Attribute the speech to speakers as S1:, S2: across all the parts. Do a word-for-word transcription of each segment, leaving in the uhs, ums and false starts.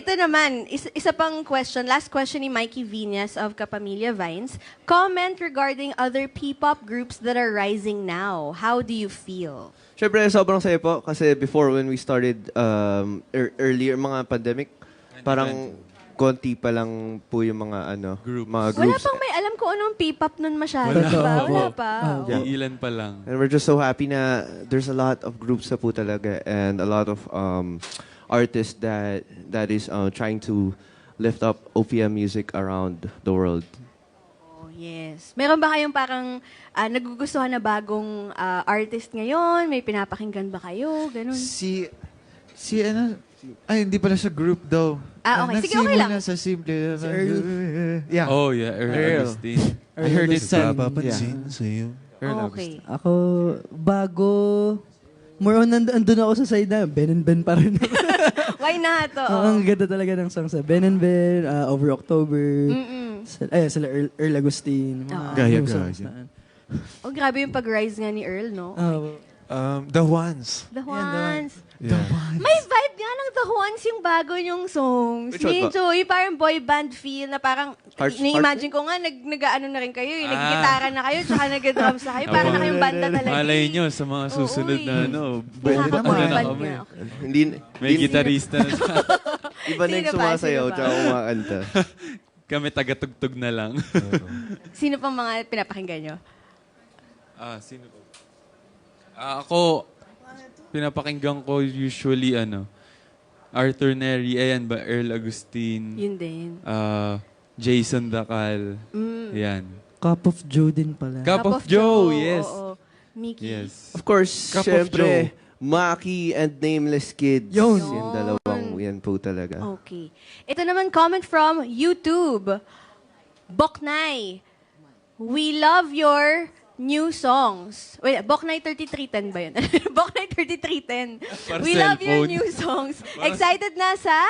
S1: ito naman, is, isa pang question, last question ni Mikey Viñas of Kapamilya Vines. Comment regarding other P-pop groups that are rising now. How do you feel?
S2: Siyempre, sobrang saya po kasi before when we started um, er- earlier, mga pandemic, parang konti pa lang po yung mga ano,
S3: Groups.
S2: mga
S1: Wala
S2: groups.
S1: pang may alam ko anong P-pop nun masyado.
S3: Wala.
S1: Diba? Wala
S3: Oo.
S1: pa.
S2: Yeah.
S3: Iilan pa lang.
S2: And we're just so happy na there's a lot of groups na po talaga and a lot of um, artists that that is uh, trying to lift up O P M music around the world.
S1: Oh, yes. Meron ba kayong parang ah, nagugustuhan na bagong ah, artist ngayon? May pinapakinggan ba kayo? Ganun.
S4: Si, si ano, ay hindi pala sa group daw.
S1: Ah, okay. Sige, okay lang.
S4: Nagsimula sa simple. Si
S5: Earl.
S4: Yeah.
S3: Oh, yeah. Earl
S4: Earl.
S3: Agustin.
S4: I heard it sa...
S5: Papapansin sa'yo.
S4: Earl
S1: Okay.
S5: Ako, bago, more on, and, andun ako sa side na, Ben and Ben pa rin.
S1: Why not? Oo.
S5: Oo, ang ganda talaga ng song sa Ben and Ben, uh, Over October,
S1: Mm-mm.
S5: sa, ay, sila Earl, Earl Agustin. mga
S1: Oo.
S4: Gaya,
S5: new
S4: gaya.
S5: songs na-
S1: Oh, grabe yung pag-rise nga ni Earl, no?
S5: Oo.
S4: Um, the Ones.
S1: The
S5: Yan, The
S1: Ones.
S4: Yeah.
S1: May vibe nga ng The Ones yung bago yung songs.
S2: Which one ba?
S1: Medyo, yung parang boy band feel na parang,
S2: Hearts-
S1: ni-imagine ko nga, nag, nag-ano na rin kayo, yung
S3: Ah.
S1: nag-gitara na kayo, tsaka nag-drums na kayo, parang na kayong banda talaga.
S3: Malay
S1: eh.
S3: nyo sa mga susunod
S1: Oo,
S3: na
S1: eh.
S3: ano.
S4: Pwede
S3: bomba
S4: naman.
S3: na
S1: Band
S3: kami.
S1: nga, okay.
S2: Hindi,
S3: May
S2: hindi-
S3: gitarista na sa
S2: Iba na yung
S1: Sino ba?
S2: sumasayaw
S1: Sino ba?
S2: tsaka kumakanta.
S3: kami tagatugtog na lang.
S1: Sino pang mga pinapakinggan nyo?
S3: ah, sino ba? Ah, ako, pinapakinggan ko usually ano, Arthur Neri, ayan ba, Earl Agustin,
S1: Yun din.
S3: ah, Jason Dacal,
S1: Mm.
S3: ayan.
S5: Cup of Joe din pala.
S3: Cup of Joe, yes.
S1: Oo. Mickey.
S3: Yes.
S2: Of course,
S3: Cup of
S2: syempre, Maki and Nameless Kids.
S5: Yun.
S2: Yung dalawang yan po talaga.
S1: Okay. Ito naman comment from YouTube. Boknay. We love your new songs. Wait, Boknay thirty-three ten ba yun? Boknay thirty-three ten.
S3: Para
S1: We love your
S3: cellphone.
S1: new songs. Excited na sa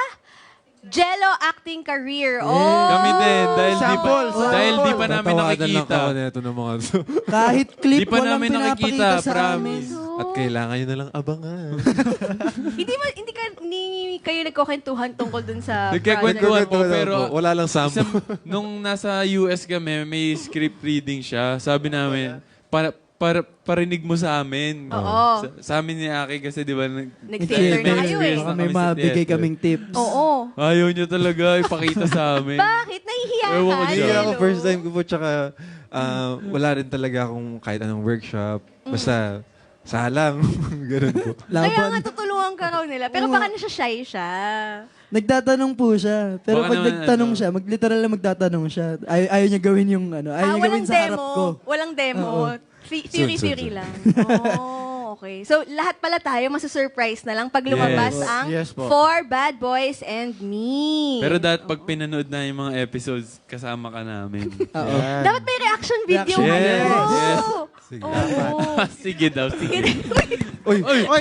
S1: Jello acting career. Oh!
S3: Kami din, dahil di pa,
S4: Sample, sample.
S3: dahil di pa namin
S6: Tatawanan lang
S3: nakikita.
S6: ako nito ng mga to.
S5: Kahit clip,
S3: Di pa
S5: walang
S3: namin nakikita,
S5: pinapakita sa amin.
S3: promise.
S1: Oh.
S6: At kailangan nyo na lang abangan.
S1: hindi mo hindi ka ni kayo nagkukwentuhan tungkol dun sa
S3: Nagkakwentuhan po,
S6: Wala
S3: pero
S6: po, wala lang sample.
S3: isang, nung nasa U S kami, may script reading siya. Sabi namin, para, para, parinig mo sa amin.
S1: Oo.
S3: Sa, sa amin ni Aki kasi di ba, nag,
S1: Nag-theater na kayo eh.
S3: experience
S5: Baka
S3: na
S5: may
S3: kami sa
S5: mabigay
S3: theater.
S5: kaming tips.
S1: Oo.
S3: Ayaw niya talaga ipakita sa amin.
S1: Bakit? Nahihiya ka?
S3: Ewan ko
S6: Hindi
S3: dyan.
S6: ako
S1: Jello?
S6: first time ko po, tsaka ah, wala rin talaga akong kahit anong workshop. Basta, salang. Ganun po.
S1: Kaya
S5: Laban.
S1: nga tutulungan ka raw nila. Pero baka na siya shy siya.
S5: Nagtatanong po siya. Pero
S3: Baka
S5: pag
S3: naman,
S5: nagtanong
S3: ano,
S5: siya, magliteral na magtatanong siya. Ay ayaw niya gawin yung ano, ayaw
S1: Ah,
S5: niya gawin
S1: walang
S5: sa harap
S1: demo.
S5: ko.
S1: Walang demo.
S5: Oo.
S1: Thi-
S6: Soon, soon,
S1: Theory-theory
S6: soon.
S1: lang. Oh, okay. So, lahat pala tayo masusurprise na lang pag lumabas
S3: Yes.
S1: ang
S4: Yes po.
S1: Four Bad Boys and Me.
S3: Pero dapat pag pinanood na yung mga episodes, kasama ka namin.
S5: Oo.
S1: Dapat may reaction video
S5: Reaction.
S1: kayo.
S3: Yes, yes.
S6: Sige.
S1: Oo.
S3: sige daw, sige.
S4: Uy! Uy!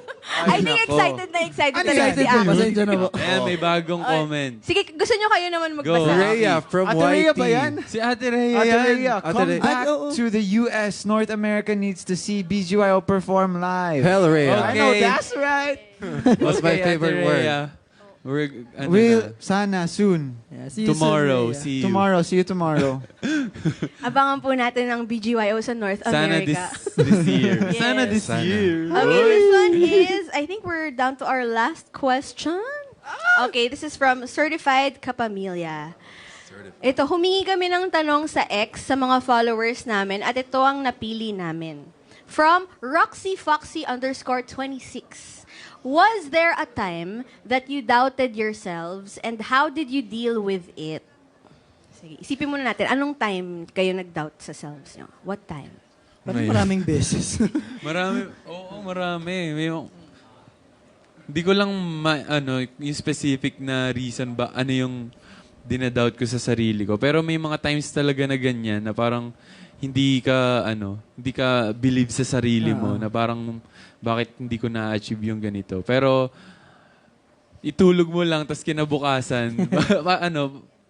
S1: I think excited na excited
S4: Ano
S1: talaga
S4: excited
S1: si
S4: kayo?
S1: Aki.
S5: Pasensya na po.
S3: Ayan, may bagong comment.
S1: Sige, gusto nyo kayo naman magbasa.
S3: Go.
S6: Rhea from
S4: Ate
S6: Y T.
S4: Rhea ba yan?
S3: Si Ate Rhea
S4: Ate
S3: yan.
S4: Rhea,
S6: Ate
S4: come
S6: Rhea.
S4: back
S5: Ay, oo.
S4: to the U S. North America needs to see B G Y O perform live.
S6: Hell, Rhea.
S4: I know,
S3: Okay.
S4: that's right.
S6: What's my
S3: Okay, Ate
S6: favorite word?
S3: Rhea. We're, ano
S4: We'll,
S3: na,
S4: sana, soon.
S5: Yeah, see you soon,
S3: tomorrow,
S5: Rhea.
S3: see you.
S4: Tomorrow, see you tomorrow.
S1: Abangan po natin ang B G Y O sa North
S3: Sana
S1: America.
S3: this, this year.
S1: Yes.
S3: Sana this
S6: Sana.
S3: year.
S1: Okay, this one is, I think we're down to our last question. Okay, this is from Certified Kapamilya. Ito, humingi kami ng tanong sa X sa mga followers namin at ito ang napili namin. From Roxy Foxy underscore twenty-six. Was there a time that you doubted yourselves and how did you deal with it? Sige, isipin muna natin, anong time kayo nag-doubt sa selves nyo? What time?
S5: Parang maraming beses.
S3: Marami, oo, marami. May, hindi ko lang, ma, ano, yung specific na reason ba, ano yung dinadoubt ko sa sarili ko. Pero may mga times talaga na ganyan, na parang hindi ka, ano, hindi ka believe sa sarili mo, na parang, bakit hindi ko na-achieve yung ganito. Pero, itulog mo lang, tapos kinabukasan, pa, ano,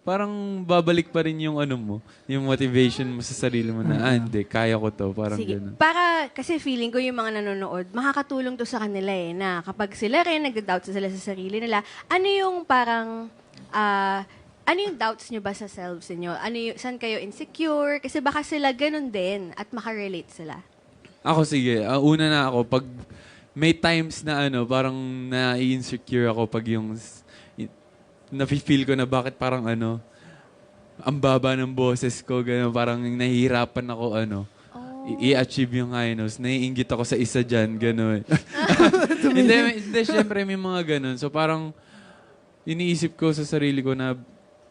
S3: parang babalik pa rin yung ano mo, yung motivation mo sa sarili mo na, ah, hindi, kaya ko to. Parang
S1: Sige.
S3: gano'n.
S1: Para, kasi feeling ko yung mga nanonood, makakatulong to sa kanila eh, na kapag sila rin nagda-doubt sila sa sarili nila, ano yung parang, ah, ano yung doubts nyo ba sa selves niyo? Ano yung, saan kayo insecure? Kasi baka sila ganun din at makarelate sila.
S3: Ako, sige. Ah, una na ako, pag may times na ano, parang na-insecure ako pag yung nafe-feel ko na bakit parang ano, ang baba ng boses ko, gano'n, parang nahihirapan ako, ano, i- i-achieve yung high notes. Naiingit ako sa isa dyan, gano'n. hindi, may- hindi, syempre may mga gano'n. So parang, iniisip ko sa sarili ko na,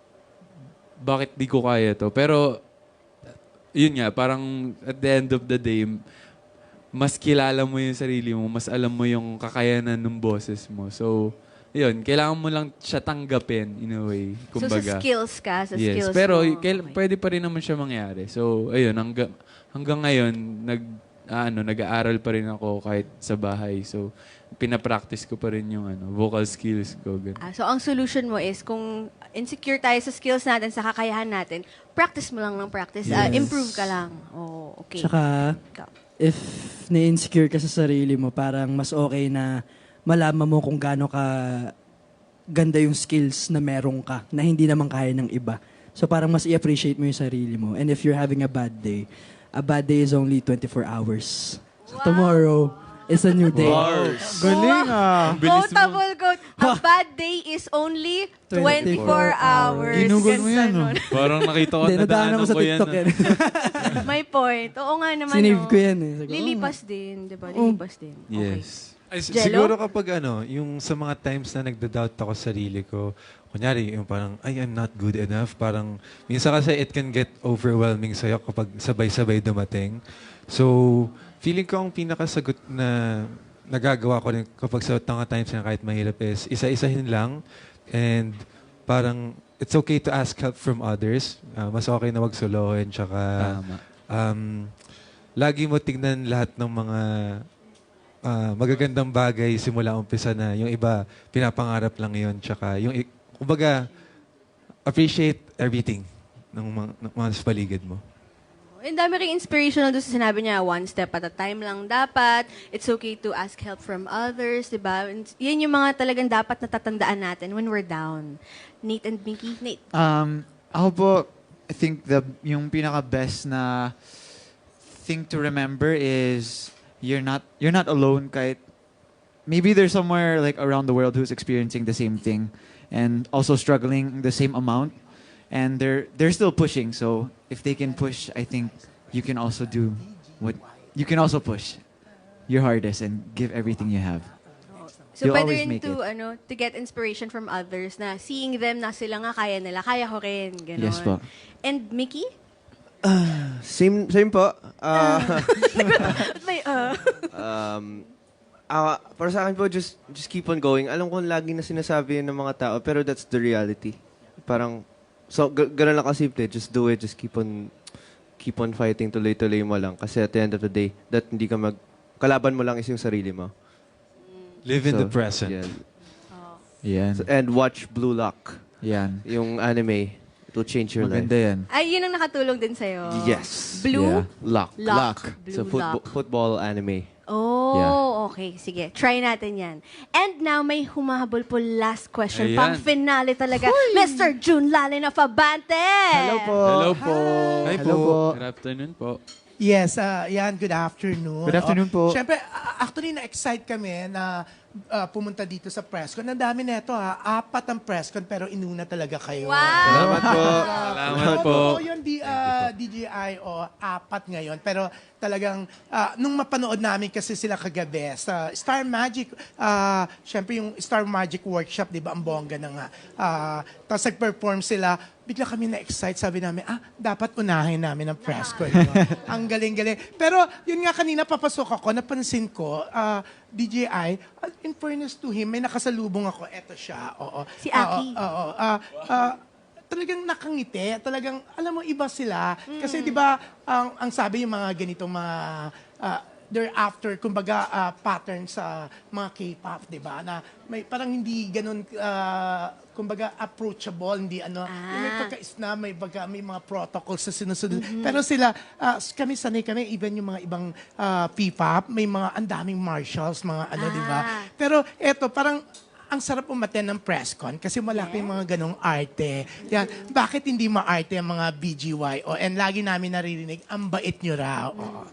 S3: bakit di ko kaya to? Pero, yun nga, parang at the end of the day, mas kilala mo yung sarili mo, mas alam mo yung kakayanan ng boses mo. So, yun, kailangan mo lang siya tanggapin in a way.
S1: So
S3: Kumbaga.
S1: sa skills ka, sa
S3: Yes,
S1: skills
S3: pero
S1: mo.
S3: kail-
S1: Okay.
S3: pwede pa rin naman siya mangyari. So, ayun, hanggang, hanggang ngayon, nag, ah, ano, nag-aaral pa rin ako kahit sa bahay. So, pinapractice ko pa rin yung ano, vocal skills ko. Ganun.
S1: Ah, so ang solution mo is kung insecure tayo sa skills natin, sa kakayahan natin, practice mo lang ng practice. Ah, improve ka lang. Oh, okay.
S5: Tsaka,
S1: Ikaw.
S5: if na-insecure ka sa sarili mo, parang mas okay na malaman mo kung gaano ka ganda yung skills na meron ka, na hindi naman kaya ng iba. So parang mas i-appreciate mo yung sarili mo. And if you're having a bad day, a bad day is only twenty-four hours. So tomorrow is a new day.
S4: Galing ah.
S1: Quotable quote. A bad day is only twenty-four hours.
S4: Ginugol mo
S1: Ganda
S4: yan, oh.
S1: nun.
S3: Parang nakita ko,
S5: Hindi, nadaanan
S3: nadaanan
S5: ko sa
S3: ko yan.
S5: TikTok yan.
S1: May point. Oo nga naman.
S5: Sinave
S1: no.
S5: ko yan eh. Sabi ko,
S1: Lilipas din, di ba? Lilipas din. Okay.
S3: Yes.
S6: Ay, s-
S1: Jello?
S6: siguro kapag ano, yung sa mga times na nagda-doubt ako sa sarili ko, kunyari, yung parang, ay, I'm not good enough. Parang, minsan kasi it can get overwhelming sa'yo kapag sabay-sabay dumating. So, feeling ko ang pinakasagot na nagagawa ko rin kapag sa mga times na kahit mahirap is, isa-isahin lang. And parang, it's okay to ask help from others. Ah, mas okay na wag solohin. Tsaka,
S3: Tama.
S6: um, lagi mo tignan lahat ng mga ah, magagandang bagay simula umpisa na. Yung iba, pinapangarap lang yun. Tsaka, yung, i- kumbaga, appreciate everything ng mga, ng mga sa paligid mo.
S1: Ang dami ring inspirational doon sa sinabi niya, one step at a time lang dapat. It's okay to ask help from others, di ba? And yan yung mga talagang dapat natatandaan natin when we're down. Nate and Mickey? Nate.
S4: Um, ako po, I think the yung pinaka-best na thing to remember is you're not you're not alone kahit maybe there's somewhere like around the world who's experiencing the same thing and also struggling the same amount and they're they're still pushing. So if they can push, I think you can also do what you can also push your hardest and give everything you have.
S1: So
S4: You'll
S1: pwede
S4: always
S1: rin
S4: make
S1: to, ano, to get inspiration from others na seeing them na sila nga kaya nila, kaya ko rin. Ganon.
S4: Yes po.
S1: And Mickey?
S2: Same, same po. Ah,
S1: Ba't may, uh,
S2: um, ah, para sa akin po, just, just keep on going. Alam ko lagi na sinasabi yun ng mga tao, pero that's the reality. Parang, so, g- ganun lang kasimple. Just do it. Just keep on, keep on fighting. Tuloy-tuloy mo lang. Kasi at the end of the day, that hindi ka mag, kalaban mo lang is yung sarili mo.
S6: Live in
S2: So,
S6: the present.
S2: yan.
S4: Yan.
S2: So, and watch Blue Lock.
S4: Yan.
S2: Yung anime. It will change your
S4: Maganda
S2: life.
S4: yan.
S1: ay, yun ang nakatulong din sa'yo.
S2: Yes.
S1: Blue?
S4: Yeah.
S2: Lock.
S1: Lock. Blue
S2: So, football,
S1: Lock.
S2: football anime.
S1: Oh,
S4: Yeah.
S1: okay. Sige, try natin yan. And now, may humahabol po last question.
S3: Ayan.
S1: Pang finale talaga. Mister June Lalin of Abante!
S5: Hello po.
S3: Hello po.
S6: Hi
S4: Hello
S6: po.
S4: po.
S3: Good afternoon po.
S7: Yes, ah, yan. Good afternoon.
S4: Good afternoon
S7: Oh,
S4: po.
S7: Siyempre, ah, actually, na-excite kami na ah, pumunta dito sa presscon. Ang dami na ito, ha. Apat ang presscon, pero inuna talaga kayo.
S1: Wow!
S2: Salamat po.
S3: Salamat po.
S7: Oo, yun, di, ah, D J I, o apat ngayon. Pero talagang, ah, nung mapanood namin kasi sila kagabi, sa Star Magic, ah, syempre yung Star Magic Workshop, di ba, ang bongga na nga. Ah, Tapos nag-perform sila, bigla kami na-excite. Sabi namin, ah, dapat unahin namin ang presscon. No? Ang galing-galing. Pero yun nga kanina, papasok ako, napansin ko, ah, D J I, ah, in fairness to him, may nakasalubong ako. Eto siya. Oo.
S1: Si Aki.
S7: Oo. oo. Ah, ah, talagang nakangiti. Talagang, alam mo, iba sila. Kasi di ba, ang, ang sabi yung mga ganitong mga, ah, they're after, kumbaga, ah, pattern sa mga K-pop, di ba? Na may parang hindi ganun, ah, kumbaga, approachable, hindi ano, yung may
S1: Ah.
S7: pagka-snap, may, baga, may mga protocols na sinusunod. Pero sila, ah, kami sanay kami, even yung mga ibang ah, P-pop, may mga ang daming marshals, mga ano, di ba?
S1: Ah.
S7: Pero eto, parang ang sarap umaten ng press con kasi malaki yung mga ganong arte. Yan. Bakit hindi maarte ang mga B G Y? O, and lagi namin naririnig, ang bait nyo raw. O.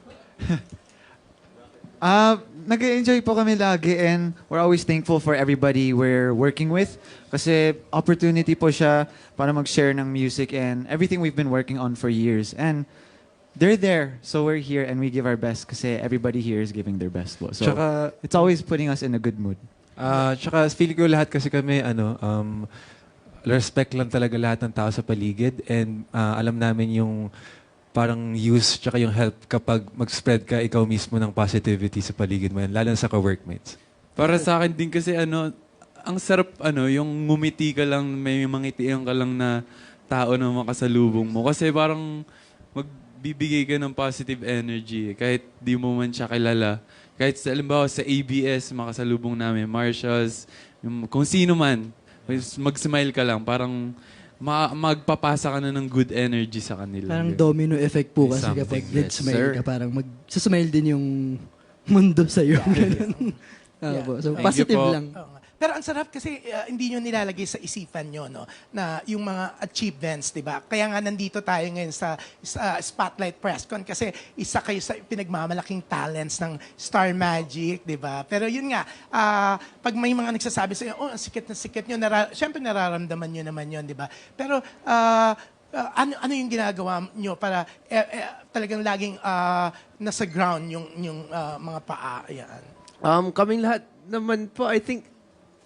S4: Ah, nag-enjoy po kami lagi and we're always thankful for everybody we're working with kasi opportunity po siya para mag-share ng music and everything we've been working on for years. And they're there, so we're here and we give our best kasi everybody here is giving their best po. So
S6: Tsaka,
S4: it's always putting us in a good mood.
S6: ah, tsaka feel ko lahat kasi kami, ano, um, respect lang talaga lahat ng tao sa paligid and ah, alam namin yung parang use tsaka yung help kapag mag-spread ka ikaw mismo ng positivity sa paligid mo yan, lalo na sa ka-workmates.
S3: Para sa akin din kasi ano, ang sarap ano, yung ngumiti ka lang, may mangitian ka lang na tao na makasalubong mo. Kasi parang magbibigay ka ng positive energy eh, kahit di mo man siya kilala. Kahit sa, halimbawa sa A B S, makasalubong namin, Marshalls, yung, kung sino man, mag-smile ka lang, parang ma- magpapasa ka na ng good energy sa kanila.
S5: Parang domino effect po kasi
S6: Something,
S5: kapag
S6: yes,
S5: nag-smile
S2: sir.
S5: ka, parang mag-smile din yung mundo sa'yo. Ganun. Ah, po. So,
S3: Thank you
S5: positive
S3: po.
S5: lang.
S7: Oo nga. Pero ang sarap kasi uh, hindi nyo nilalagay sa isipan nyo, no? Na yung mga achievements, di ba? Kaya nga nandito tayo ngayon sa, sa Spotlight Press Con kasi isa kayo sa pinagmamalaking talents ng Star Magic, di ba? Pero yun nga, ah, pag may mga nagsasabi sa inyo, oh, ang sikat na sikat nyo, nara- syempre nararamdaman nyo naman yun, di ba? Pero, ah, ah, ano ano yung ginagawa nyo para eh, eh, talagang laging ah, nasa ground yung yung ah, mga paa, yan.
S2: Um, kaming lahat naman po, I think,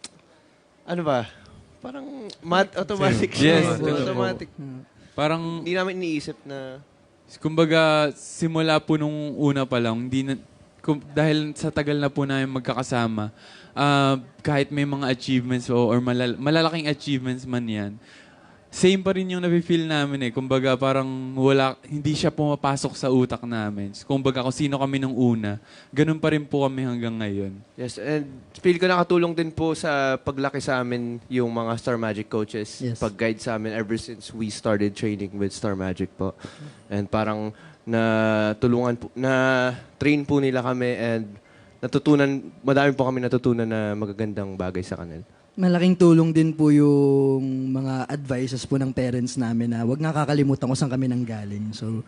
S2: ano ba? Parang mat automatic.
S3: Yes,
S2: siya.
S3: totoo po.
S2: automatic.
S3: Parang
S2: Hindi namin iniisip na
S3: kumbaga, simula po nung una pa lang, hindi na, kum, dahil sa tagal na po namin magkakasama, ah, kahit may mga achievements o or malal, malalaking achievements man yan, same pa rin yung nafe-feel namin eh. Kumbaga, parang wala, hindi siya pumapasok sa utak namin. Kumbaga, kung sino kami nung una, ganun pa rin po kami hanggang ngayon.
S2: yes, and feel ko nakatulong din po sa paglaki sa amin yung mga Star Magic coaches.
S5: Yes.
S2: Pag-guide sa amin ever since we started training with Star Magic po. And parang na tulungan po, na train po nila kami and natutunan, madami po kami natutunan na magagandang bagay sa kanila.
S5: Malaking tulong din po yung mga advices po ng parents namin na wag nga kakalimutan kung saan kami nang galing. So,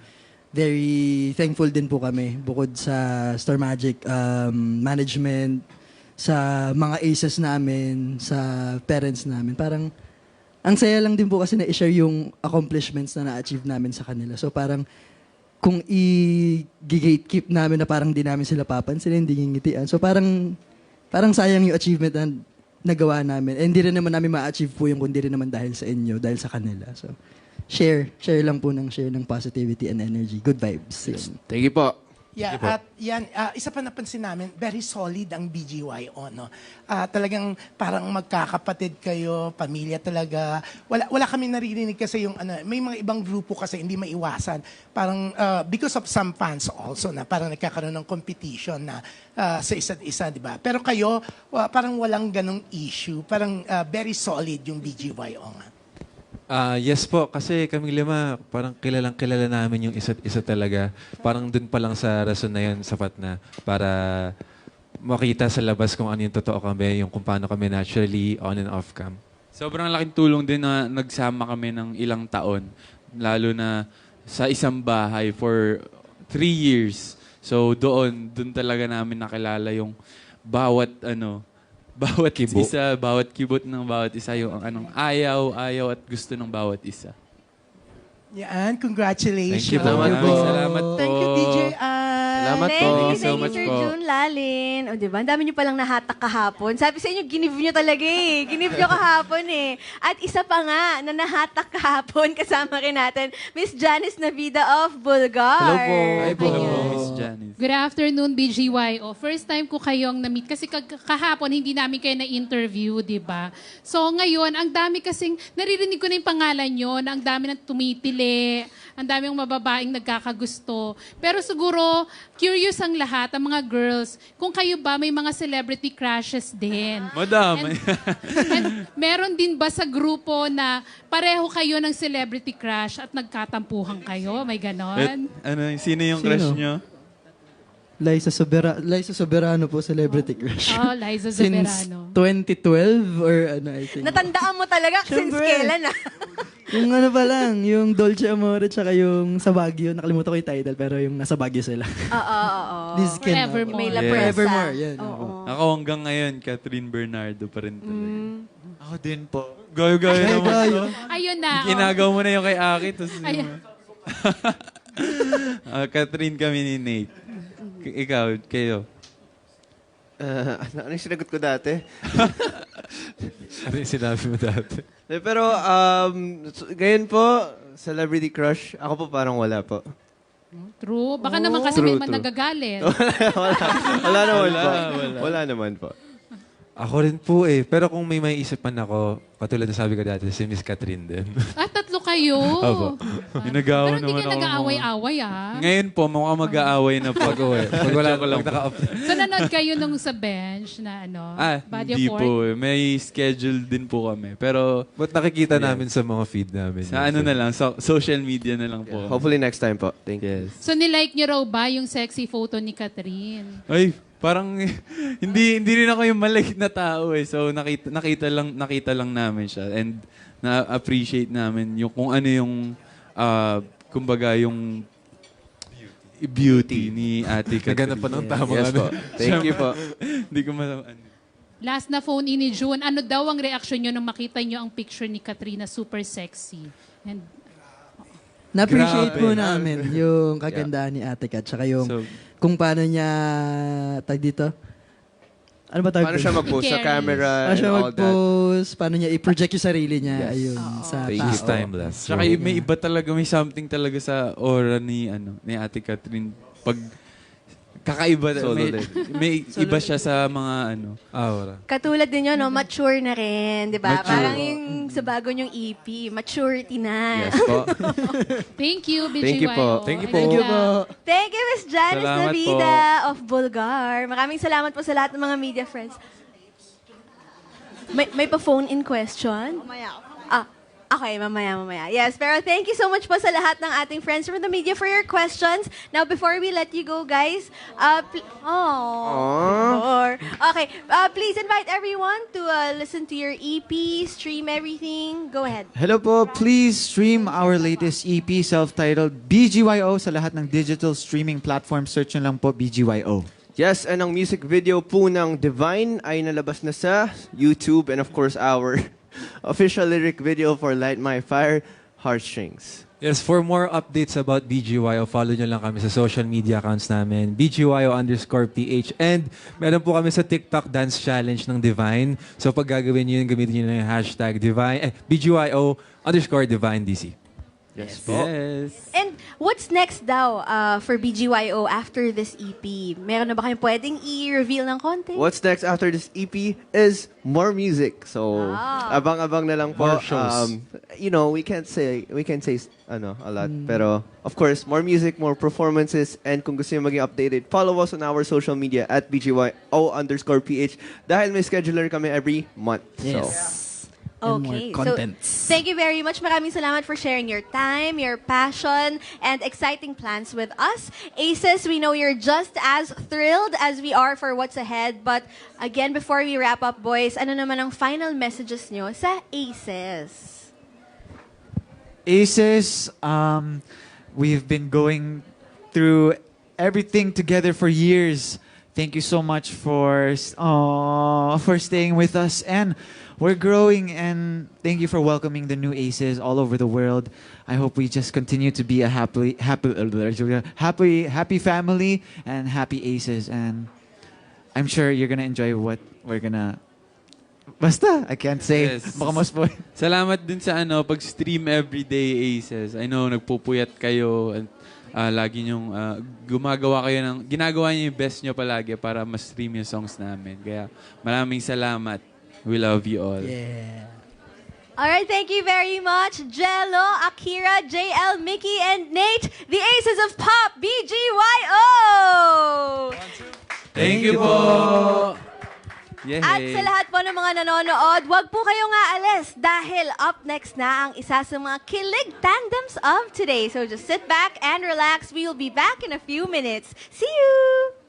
S5: very thankful din po kami bukod sa Star Magic um, management, sa mga aces namin, sa parents namin. Parang, ang saya lang din po kasi na i-share yung accomplishments na na-achieve namin sa kanila. So, parang, kung i-gatekeep namin na parang di namin sila papansin, hindi ngingitian. So, parang, parang sayang yung achievement na nagawa namin. And hindi rin naman namin ma-achieve po yung kundi rin naman dahil sa inyo, dahil sa kanila. So, share. Share lang po ng share ng positivity and energy. Good vibes. Yun.
S2: Thank you po.
S7: Yeah, at yan, ah, isa pa napansin namin, very solid ang B G Y O, no? Ah, talagang parang magkakapatid kayo, pamilya talaga. Wala wala kami naririnig kasi yung ano, may mga ibang grupo kasi hindi maiwasan. Parang ah, because of some fans also na parang nagkakaroon ng competition na ah, sa isa't isa, di ba? Pero kayo, wa- parang walang ganong issue. Parang ah, very solid yung B G Y O nga.
S6: Ah, yes po, kasi kaming lima, parang kilalang kilala namin yung isa't isa talaga. Parang dun pa lang sa rason na yun, sapat na para makita sa labas kung ano yung totoo kami, yung kung paano kami naturally on and off cam.
S3: Sobrang laking tulong din na nagsama kami ng ilang taon, lalo na sa isang bahay for three years. So doon, doon talaga namin nakilala yung bawat ano, bawat
S6: Kibo.
S3: isa, bawat kibot ng bawat isa, yung anong ayaw, ayaw at gusto ng bawat isa.
S7: Yan, congratulations.
S6: Thank you po.
S2: Salamat po.
S3: Maraming salamat po.
S7: Thank you, D J I.
S2: Salamat
S1: Thank
S2: po.
S1: you,
S3: Thank you so
S1: thank you,
S3: much
S1: Sir
S3: po.
S1: June Lalin. O, diba? Ang dami niyo palang nahatak kahapon. Sabi sa inyo, ginive niyo talaga eh. Ginive niyo kahapon eh. At isa pa nga na nahatak kahapon, kasama rin natin, Miss Janice Navida of Bulgar.
S2: Hello po.
S3: Hi po,
S1: Ayan.
S3: Miss Janice.
S8: Good afternoon, B G Y O. First time ko kayong na-meet kasi kag- kahapon hindi namin kayo na-interview, di ba? So ngayon, ang dami kasing, naririnig ko na yung pangalan nyo, na ang dami nang tumitili, ang dami ng mababaeng nagkakagusto. Pero siguro, curious ang lahat, ang mga girls, kung kayo ba may mga celebrity crushes din.
S3: Madami.
S8: And meron din ba sa grupo na pareho kayo ng celebrity crush at nagkatampuhan kayo? May ganon?
S3: ano, sino yung
S5: Sino?
S3: crush nyo?
S5: Liza, Sobera Liza Soberano po, celebrity crush.
S8: Oh, Liza
S5: Since
S8: Soberano.
S5: twenty twelve or ano, I think.
S1: Natandaan mo talaga since
S5: Siyempre.
S1: kailan ah.
S5: Yung ano pa lang, yung Dolce Amore tsaka yung sa Baguio. Nakalimutan ko yung title pero yung nasa Baguio sila.
S1: Oo, oo, oo.
S5: Liz Ken.
S8: Forevermore.
S1: May La
S3: Yes.
S1: Presa.
S5: Forevermore, yan.
S1: Oo.
S3: Ako hanggang ngayon, Catherine Bernardo pa rin talaga.
S1: Mm.
S4: Ako din po.
S3: Gayo-gayo
S5: Ay,
S3: naman.
S5: gayo.
S8: Ayun na. oh.
S3: Ginagawa mo na yung kay Aki. Tapos
S8: Ayan.
S3: Ah, Catherine kami ni Nate. K- ikaw, kayo.
S2: Uh, ano, ano yung sinagot ko dati?
S6: Ano yung sinabi mo dati?
S2: Eh, Pero, um, so- ngayon po, celebrity crush, ako po parang wala po.
S8: True. Baka naman kasi
S2: True,
S8: may man
S2: true.
S8: nagagalit.
S2: Wala naman
S3: Wala,
S2: po.
S3: wala.
S2: Wala naman po.
S6: Ako rin po eh. Pero kung may may isipan ako, katulad na sabi ko dati, si Miss Catherine din.
S8: Ah, tatlo kayo.
S6: Opo.
S3: Ginagawa
S8: Pero hindi
S3: naman
S8: kayo
S3: ako.
S8: nag-aaway-away ah.
S3: Ngayon po, mukhang mag-aaway na po.
S6: Pag-uwi. Pag wala ko lang
S3: Joke
S6: naka-off.
S8: So nanood kayo nung sa bench na ano,
S3: Ah,
S8: body
S3: hindi
S8: of
S3: po.
S8: work?
S3: eh. May schedule din po kami. Pero
S6: But nakikita
S3: Yeah.
S6: namin sa mga feed namin.
S3: sa ano na lang, so, social media na lang po.
S2: Hopefully next time po. Thank you.
S3: Yes.
S8: So nilike niyo raw ba yung sexy photo ni Catherine?
S3: Ay, parang hindi hindi rin ako yung maliit na tao eh. So nakita nakita lang nakita lang namin siya and na-appreciate namin yung kung ano yung ah, kumbaga yung beauty ni Ate
S6: Naghanap
S3: Catherine.
S6: pa ng tamang
S2: Yes
S6: ano.
S2: po. Thank you po.
S3: Hindi ko ma- ano.
S8: Last na phone in ni June, ano daw ang reaction niyo nung makita niyo ang picture ni Katrina super sexy? And
S5: Na-appreciate
S6: Grabe.
S5: po namin yung kagandahan ni Ate Kat. Tsaka yung
S3: So,
S5: kung paano niya, tag dito? Ano ba tawag
S2: Paano
S5: doon?
S2: siya mag-post sa
S8: Carries.
S2: camera
S5: Paano
S2: and
S5: siya
S2: all that?
S5: mag-post, paano niya i-project yung sarili niya,
S2: Yes.
S5: ayun, sa
S2: Thank
S5: tao.
S2: you.
S6: He's timeless.
S3: Tsaka may iba talaga, may something talaga sa aura ni ano ni Ate Catherine pag kakaiba
S2: Solo
S3: may,
S2: level.
S3: may iba siya sa mga ano.
S6: Aura.
S1: Katulad din yun, no? Mature na rin, di ba?
S3: Mature.
S1: Parang yung sa bago niyong E P, maturity na.
S2: Yes po.
S8: thank you, B G Y O.
S2: Thank you po.
S6: Thank you
S8: And,
S6: po.
S5: Thank you
S8: uh,
S5: po.
S1: Thank you, Miss Janice
S3: Salamat
S1: Navida of Bulgar. Maraming salamat po sa lahat ng mga media friends. May, may pa-phone-in question? Mamaya. Ah, okay, mamaya, mamaya. Yes, pero thank you so much po sa lahat ng ating friends from the media for your questions. Now, before we let you go, guys, uh, pl- oh, okay, uh, please invite everyone to uh, listen to your E P, stream everything. Go ahead.
S4: Hello po, please stream our latest E P self-titled B G Y O sa lahat ng digital streaming platform. Search nyo lang po B G Y O.
S2: Yes, and ang music video po ng Divine ay nalabas na sa YouTube and of course our official lyric video for Light My Fire, Heartstrings.
S6: Yes, for more updates about B G Y O, follow nyo lang kami sa social media accounts namin, B G Y O underscore P H. And meron po kami sa TikTok Dance Challenge ng Divine. So pag gagawin nyo yun, gamitin nyo lang yung hashtag Divine, eh, B G Y O underscore Divine D C.
S2: Yes po.
S3: Yes.
S1: And what's next daw uh, for B G Y O after this E P? Meron na ba kayong pwedeng i-reveal ng konti?
S2: What's next after this E P is more music. So,
S1: Ah.
S2: abang-abang na lang po.
S6: More shows.
S2: Um, you know, we can't say we can say ano, a lot, pero of course, more music, more performances, and kung gusto niyo maging updated, follow us on our social media at B G Y O underscore P H dahil may scheduler kami every month. So,
S5: Yes. And more
S1: Okay,
S5: contents.
S1: so thank you very much. Maraming salamat for sharing your time, your passion, and exciting plans with us. Aces, we know you're just as thrilled as we are for what's ahead. But again, before we wrap up, boys, ano naman ang final messages nyo sa Aces?
S4: Aces, um, we've been going through everything together for years. Thank you so much for uh, for staying with us, and we're growing. And thank you for welcoming the new Aces all over the world. I hope we just continue to be a happy, happy, happy, happy family and happy Aces. And I'm sure you're gonna enjoy what we're gonna. Basta, I can't say.
S3: Yes.
S4: Baka mas po.
S3: Salamat din sa ano, pag-stream everyday Aces. I know, nagpupuyat kayo. And ah, lagi nyong ah, gumagawa kayo ng, ginagawa niyo yung best niyo palagi para ma-stream yung songs namin. Kaya maraming salamat. We love you all.
S5: Yeah.
S1: Alright, thank you very much, Jello, Akira, J L, Mickey, and Nate, the Aces of Pop, B G Y O!
S3: Thank you po! Yay!
S1: At sa lahat po ng mga nanonood, wag po kayong aalis dahil up next na ang isa sa mga kilig tandems of today. So just sit back and relax. We will be back in a few minutes. See you!